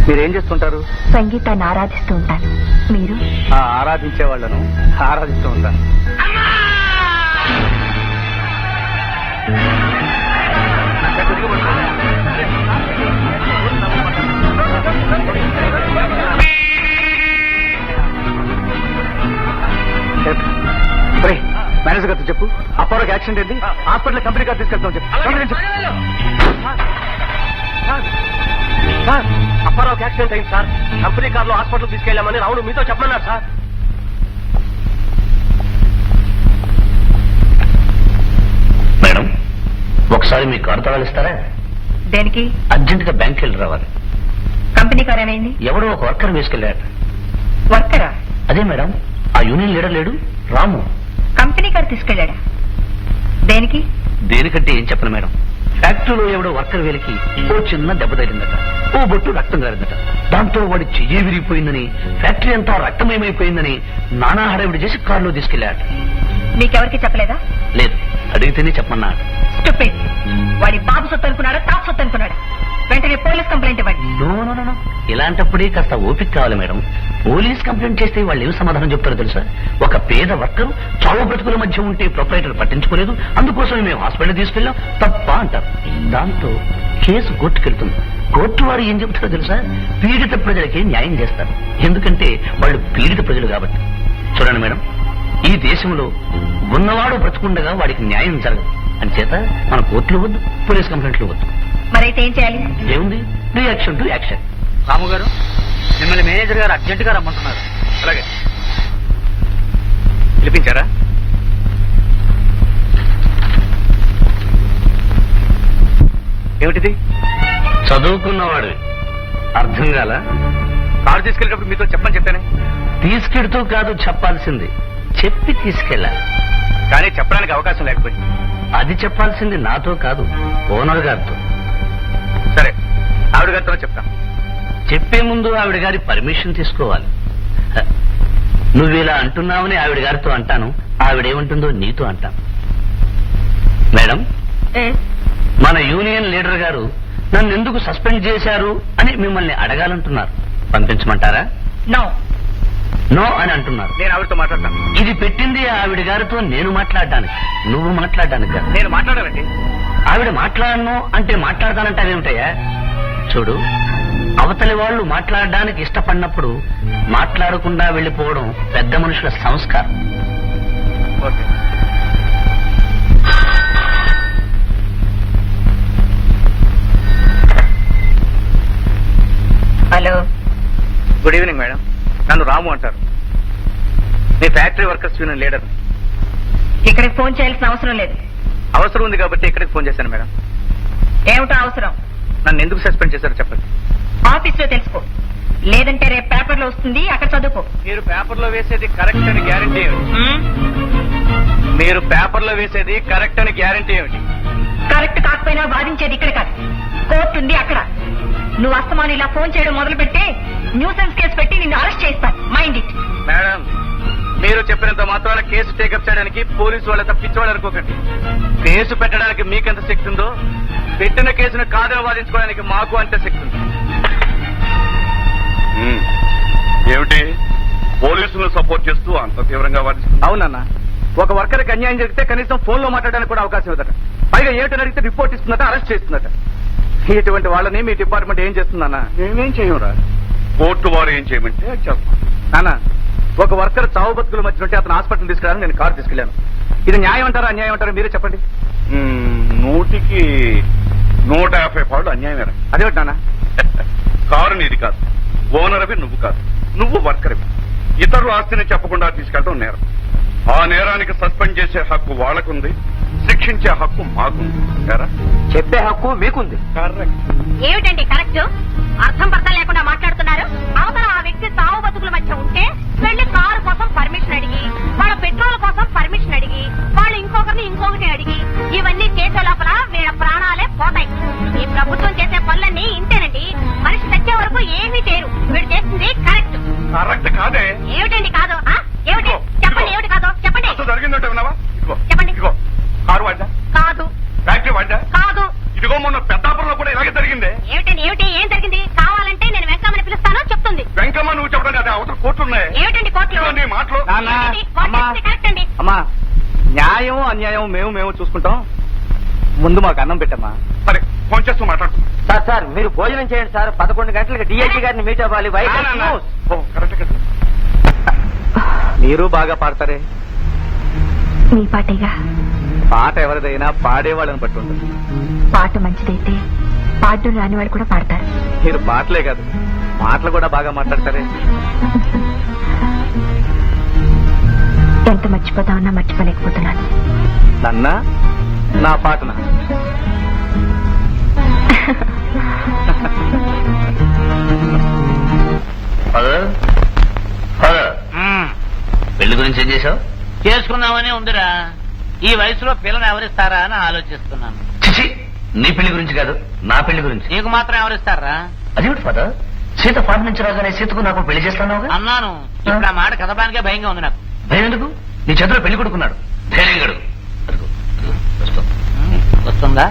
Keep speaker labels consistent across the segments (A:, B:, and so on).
A: మీరేం చేస్తుంటారు?
B: సంగీతాన్ని ఆరాధిస్తూ ఉంటాను. మీరు?
A: ఆరాధించే వాళ్ళను ఆరాధిస్తూ ఉంటాను. మేనేజర్ గారితో చెప్పు, అప్పారోకి యాక్సిడెంట్ అయింది, హాస్పిటల్ కంపెనీ గారు తీసుకెళ్తాం చెప్పు.
C: సార్, అప్పారావుకి యాక్సిడెంట్ అయింది సార్. కంపెనీ కార్లో హాస్పిటల్ తీసుకెళ్లామని రావును మీతో చెప్పమన్నారు సార్.
D: మేడం, ఒకసారి మీ కారు తగలిస్తారా?
B: దేనికి?
D: అర్జెంట్ గా బ్యాంక్ వెళ్ళి రావాలి.
B: కంపెనీ కార్ ఏమైంది?
D: ఎవడో ఒక వర్కర్ వేసుకెళ్ళాడు.
B: వర్కరా?
D: అదే మేడం, ఆ యూనియన్ లీడర్ లేడు రాము.
B: Company car తీసుకెళ్ళాడా? దేనికి?
D: దేనికంటే ఏం చెప్పను మేడం, ఫ్యాక్టరీలో ఎవడో వర్కర్ వేలికి ఓ చిన్న దెబ్బ తగిలిందట, ఓ బొట్టు రక్తం గారిందట. దాంతో వాడి చెయ్యి విరిగిపోయిందని, ఫ్యాక్టరీ అంతా రక్తమయమైపోయిందని నానా హడావిడి చేసి కారులో తీసుకెళ్లాడు.
B: మీకెవరికి చెప్పలేదా?
D: లేదు, అడిగితేనే చెప్పమన్నాడు.
B: స్టూపిడ్. వాడి బాబు సొత్తు అనుకున్నాడా, తాపు సొత్తు అనుకున్నాడా? వెంటనే పోలీస్ కంప్లైంట్ ఇవ్వండి.
D: నో, ఇలాంటప్పుడే కాస్త ఓపిక కావాలి మేడం. పోలీస్ కంప్లైంట్ చేస్తే వాళ్ళు ఏం సమాధానం చెప్తారో తెలుసా? ఒక పేద వర్కరు చావు బ్రతుకుల మధ్య ఉంటే ప్రొపరైటర్ పట్టించుకోలేదు, అందుకోసం మేము హాస్పిటల్ తీసుకెళ్ళాం, తప్ప అంటారు. దాంతో కేసు కోర్టుకెళ్తుంది. కోర్టు వారు ఏం చెప్తారో తెలుసా? పీడిత ప్రజలకి న్యాయం చేస్తారు, ఎందుకంటే వాళ్ళు పీడిత ప్రజలు కాబట్టి. చూడండి మేడం, ఈ దేశంలో ఉన్నవాడు బ్రతుకుండగా వాడికి న్యాయం జరగదు. అంచేత మన కోర్టులు వద్దు, పోలీస్ కంప్లైంట్లు వద్దు.
B: మరైతే ఏం చేయాలి?
D: ఏముంది, రియాక్షన్ టు యాక్షన్.
A: రాము గారు, మిమ్మల్ని మేనేజర్ గారు అర్జెంట్ గా రమ్మంటున్నారు. అలాగే పిలిపించారా? ఏమిటిది?
D: చదువుకున్నవాడు అర్థం కాల?
A: కారు తీసుకెళ్ళేటప్పుడు మీతో చెప్పని చెప్పానే.
D: తీసుకెడుతూ కాదు చెప్పాల్సింది, చెప్పి తీసుకెళ్ళాలి.
A: కానీ చెప్పడానికి అవకాశం లేకపోయింది.
D: అది చెప్పాల్సింది నాతో కాదు, ఓనర్ గారితో.
A: సరే, ఆవిడ గారితో చెప్తాం.
D: చెప్పే ముందు ఆవిడ గారి పర్మిషన్ తీసుకోవాలి. నువ్విలా అంటున్నావని ఆవిడ గారితో అంటాను, ఆవిడేమంటుందో నీతో అంటాను. మేడం, మన యూనియన్ లీడర్ గారు నన్ను ఎందుకు సస్పెండ్ చేశారు అని మిమ్మల్ని అడగాలంటున్నారు. పంపించమంటారా? నో అని అంటున్నారు.
A: నేను ఆవిడతో మాట్లాడతాను.
D: ఇది పెట్టింది ఆవిడ గారితో నేను మాట్లాడడానికి, నువ్వు మాట్లాడడానికి కాదు.
A: నేను మాట్లాడాలండి.
D: ఆవిడ మాట్లాడను అంటే మాట్లాడతానంటావేమిటయ్యా? చూడు, అవతలి వాళ్ళు మాట్లాడడానికి ఇష్టపడినప్పుడు మాట్లాడకుండా వెళ్లిపోవడం పెద్ద మనుషుల సంస్కారం.
A: Okay.
B: Hello,
A: good evening madam. నన్ను రాము అంటారు. మీ ఫ్యాక్టరీ వర్కర్స్ యూనియన్ లీడర్.
B: ఇక్కడికి ఫోన్ చేయాల్సిన అవసరం లేదు.
A: అవసరం ఉంది కాబట్టి ఇక్కడికి ఫోన్ చేశాను మేడం.
B: ఏమిటో అవసరం?
A: నన్ను ఎందుకు సస్పెండ్ చేశారో చెప్పండి.
B: ఆఫీస్ లో తెలుసుకో, లేదంటే రేపు పేపర్ లో వస్తుంది, అక్కడ చదువుకో.
A: మీరు పేపర్లో వేసేది కరెక్ట్ అని గ్యారంటీ ఏమిటి? మీరు పేపర్లో వేసేది కరెక్ట్ అని గ్యారంటీ ఏమిటి?
B: కరెక్ట్ కాకపోయినా వాదించేది ఇక్కడ కాదు, కోర్టు ఉంది అక్కడ. నువ్వు అస్తమాను ఇలా ఫోన్ చేయడం మొదలు పెడితే న్యూసెన్స్ కేసు పెట్టి నిన్ను అరెస్ట్ చేస్తాను. Mind it.
A: మేడం, మీరు చెప్పినంత మాత్రాన కేసు టేకప్ చేయడానికి పోలీసు వాళ్ళ తప్పించేవాళ్ళు అనుకోకండి. కేసు పెట్టడానికి మీకెంత శక్తి ఉందో, పెట్టిన కేసును కాదని వాదించుకోవడానికి మాకు అంతే శక్తి ఉంది.
E: ఏమిటి పోలీసులను సపోర్ట్ చేస్తూ అంత తీవ్రంగా వాదిస్తుంది?
A: అవునన్నా, ఒక వర్కర్కి అన్యాయం జరిగితే కనీసం ఫోన్ లో మాట్లాడడానికి కూడా అవకాశం ఇవ్వదట. పైగా ఏమిటని అడిగితే రిపోర్ట్ ఇస్తుందట, అరెస్ట్ చేస్తుందట. ఇటువంటి వాళ్ళని మీ డిపార్ట్మెంట్ ఏం చేస్తుందన్నా?
E: మేమేం చేయరా, కోర్టు వారు ఏం చేయమంటే చేస్తాం.
A: నాన్న, ఒక వర్కర్ చావు బతుకుల మధ్య ఉంటే అతను హాస్పిటల్ తీసుకెళ్ళాను, నేను కారు తీసుకెళ్లాను. ఇది న్యాయం అంటారా అన్యాయం అంటారా మీరే చెప్పండి.
E: 100కి 150 పాళ్ళు అన్యాయమేరా.
A: అదేమిటి నాన్న?
E: కారు నీది కాదు, ఓనర్ అవి నువ్వు కాదు, నువ్వు వర్కర్ అవి. ఇతరుల ఆస్తిని చెప్పకుండా తీసుకెళ్ళడం నేరం. ఆ నేరానికి సస్పెండ్ చేసే హక్కు వాళ్ళకుంది, శిక్షించే హక్కు మాకుంది.
A: చెప్పే హక్కు మీకుంది.
E: కరెక్ట్.
B: ఏమిటండి కరెక్ట్? అర్థం పర్థం లేకుండా మాట్లాడుతున్నారు. అవతల ఆ వ్యక్తి తావు బతుకుల మధ్య ఉంటే వెళ్లి కారు కోసం పర్మిషన్ అడిగి, వాళ్ళ పెట్రోల్ కోసం పర్మిషన్ అడిగి, వాళ్ళు ఇంకొకటి అడిగి, ఇవన్నీ చేసే లోపల వీళ్ళ ప్రాణాలే పోతాయి. ఈ ప్రభుత్వం చేసే పనులన్నీ ఇంతేనండి. మనిషి చచ్చే వరకు ఏమీ చేయరు. వీడు చేస్తుంది కరెక్ట్.
E: కరెక్ట్ కాదే.
B: ఏమిటండి కాదు? ఏమిటి చెప్పండి, ఏమిటి కాదో చెప్పండి.
E: జరిగిందంటే విన్నావా?
B: చెప్పండి.
E: ఇదిగో కారు వాడ్డా
B: కాదు,
E: ఫ్యాక్టరీ వాడ్డా
B: కాదు.
E: ఇదిగో మొన్న పెద్దాపురంలో కూడా ఇలాగే జరిగిందే.
B: ఏమిటండి ఏమిటి? ఏం జరిగింది? కావాలంటే నేను వెంకమ్మని
A: అన్యాయం మేము చూసుకుంటాం. ముందు మాకు అన్నం పెట్టమ్మా.
E: సరే ఫోన్ చేస్తూ మాట్లాడుతున్నాం.
C: సార్ మీరు భోజనం చేయండి సార్. 11 గంటలకు డిఐజీ గారిని మీట్ అవ్వాలి.
E: కరెక్ట్ కదా.
A: మీరు బాగా పాడతారే.
F: మీ పాటేగా.
A: పాట ఎవరిదైనా పాడేవాళ్ళని బట్టి ఉంటుంది.
F: పాట మంచిదైతే పాడడం రాని వాళ్ళు కూడా పాడతారు.
A: మీరు పాటలే కాదు మాటలు కూడా బాగా మాట్లాడతారే.
F: ఎంత మర్చిపోతామన్నా మర్చిపోలేకపోతున్నాను.
A: నన్నా నా పాటనా?
D: పెళ్లి గురించి ఏం చేశావు?
G: చేసుకుందామని ఉందిరా. ఈ వయసులో పిల్లని ఎవరిస్తారా అని ఆలోచిస్తున్నాను.
D: చిచి, నీ పెళ్లి గురించి కాదు, నా పెళ్లి గురించి.
G: నీకు మాత్రం ఎవరిస్తారా?
D: అదేమిటి ఫాదర్, సీత ఫారెన్ నుంచి రాగానే సీతకు నాకు పెళ్లి చేస్తాను
G: అన్నాను. ఇప్పుడు ఆ మాట కదపడానికే భయంగా ఉంది నాకు.
D: భయం ఎందుకు? నీ చేతిలో పెళ్లి కొడుకున్నాడు. ధైర్యం గడు.
G: వస్తుందా?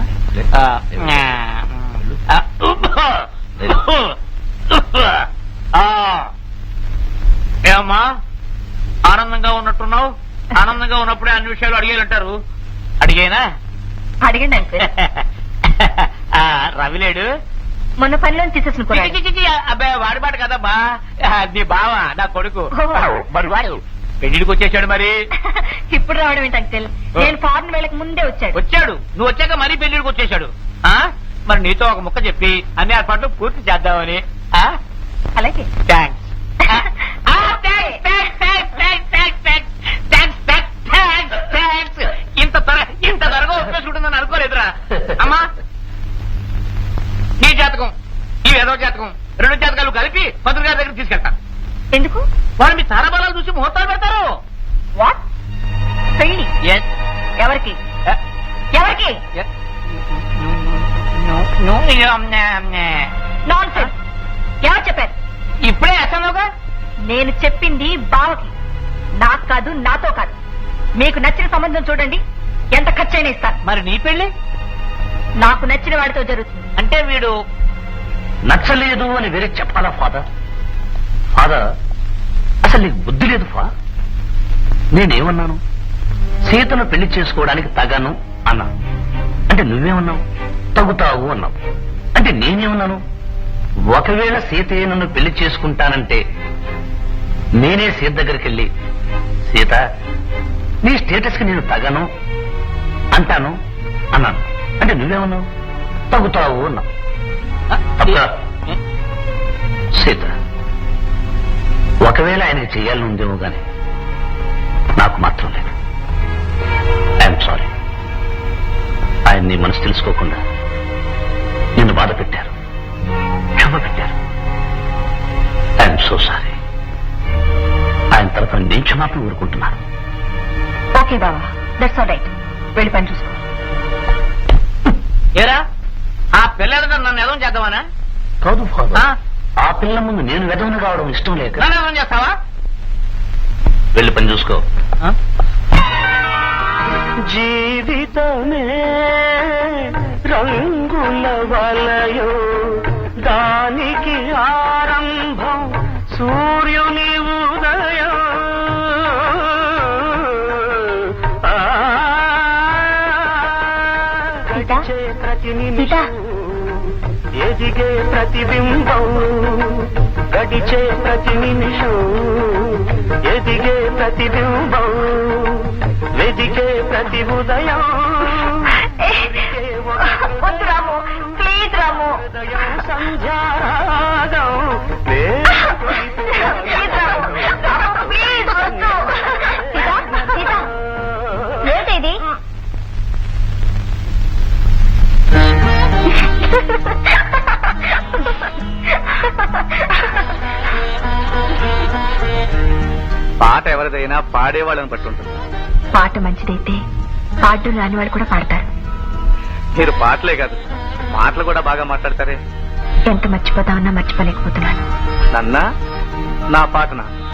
G: ఏమమ్మా ఆనందంగా ఉన్నట్టున్నావు? ఆనందంగా ఉన్నప్పుడే అన్ని విషయాలు అడిగేయాలంటారు. అడిగేనా?
F: అడగండి అంకుల్.
G: రవిలేడు
F: మొన్న పనిలో తీసేసిన
G: అబ్బాయి వాడి పాట కదమ్మా. నీ బావ నా కొడుకు.
F: ఓహో.
G: మరి వాడు పెళ్లికి వచ్చేసాడు. మరి
F: ఇప్పుడు రావడం ఏంటి అంకుల్? నేను ఫారెన్ వెళ్ళక ముందే వచ్చాడు.
G: వచ్చాడు. నువ్వు వచ్చాక మరీ పెళ్లికి వచ్చేసాడు. మరి నీతో ఒక ముక్క చెప్పి అన్ని ఏర్పాట్లు పూర్తి చేద్దామని.
F: అలాగే.
G: థ్యాంక్స్. ఇంత త్వరగా ఒప్పేసుకుంటుందని అనుకోలేదురా. అమ్మా నీ జాతకం ఈ ఏదో జాతకం 2 జాతకాలు కలిపి మంత్రి గారి దగ్గర తీసుకెళ్తా.
F: ఎందుకు?
G: వాళ్ళు మీ తారాబలాలు చూసి ముహూర్తాలు పెడతారు.
F: వాట్? పెళ్లి ఎవరికి? ఎవరికి? Nonsense. ఎవరు చెప్పారు?
G: ఇప్పుడే వేస్తానుగా.
F: నేను చెప్పింది బావకి, నాకు కాదు, నాతో కాదు. మీకు నచ్చిన సంబంధం చూడండి, ఎంత ఖర్చైనా ఇస్తాను.
G: మరి నీ పెళ్లి
F: నాకు నచ్చిన వాడితో జరుగుతుంది.
G: అంటే వీడు
D: నచ్చలేదు అని వేరే చెప్పాలా ఫాదర్? ఫాదర్, అసలు నీకు బుద్ధి లేదు ఫా. నేనేమన్నాను? సీతను పెళ్లి చేసుకోవడానికి తగను అన్నా. అంటే నువ్వేమన్నావు? తగుతావు అన్నావు. అంటే నేనేమన్నాను? ఒకవేళ సీతే నన్ను పెళ్లి చేసుకుంటానంటే నేనే సీత దగ్గరికి వెళ్ళి, సీత నీ స్టేటస్ కి నేను తగను అంటాను అన్నాను. అంటే నువ్వేమన్నావు? తగుతావు అన్నావు. తప్ప సీత, ఒకవేళ ఆయనకి చెయ్యాలని ఉందేమో గాని నాకు మాత్రం లేదు. I'm sorry. ఆయన నీ మనసు తెలుసుకోకుండా నిన్ను బాధ పెట్టారు, క్షమ పెట్టారు. I'm so sorry. ఆయన తరఫున నేను క్షమాపణ ఊరుకుంటున్నాను.
F: ఓకే బావా, దట్స్ ఆల్ రైట్. వెళ్ళి పని చూసుకో.
G: ఏరా ఆ పిల్లలు నన్ను ఎదవం చేద్దామనా?
D: కాదు ఫాదర్, ఆ పిల్ల ముందు నేను వెదవని కావడం ఇష్టం లేక.
G: నన్ను ఎదవం చేస్తావా?
D: వెళ్ళి పని చూసుకో.
C: జీవితమే రంగుల వలయో, దానికి ఆరంభం సూర్యుని ఉదయం. గడిచే ప్రతి నిమిషం ఎదిగే ప్రతిబింబం, గడిచే ప్రతి నిమిషం ఎదిగే ప్రతిబింబం, వెదిగే ప్రతి ఉదయం.
F: వద్దు రాము, ప్లీజ్ రాము.
C: హృదయం సంధ్యారాగం
F: ప్లీజ్ వద్దు. ఏంటిది?
A: పాట ఎవరిదైనా పాడేవాళ్ళని బట్టి ఉంటుంది.
F: పాట మంచిదైతే పాడడం రాని వాళ్ళు కూడా పాడతారు.
A: మీరు పాటలే కాదు మాటలు కూడా బాగా మాట్లాడతారే.
F: ఎంత మర్చిపోతామన్నా మర్చిపోలేకపోతున్నాను.
A: నన్నా నా పాటనా?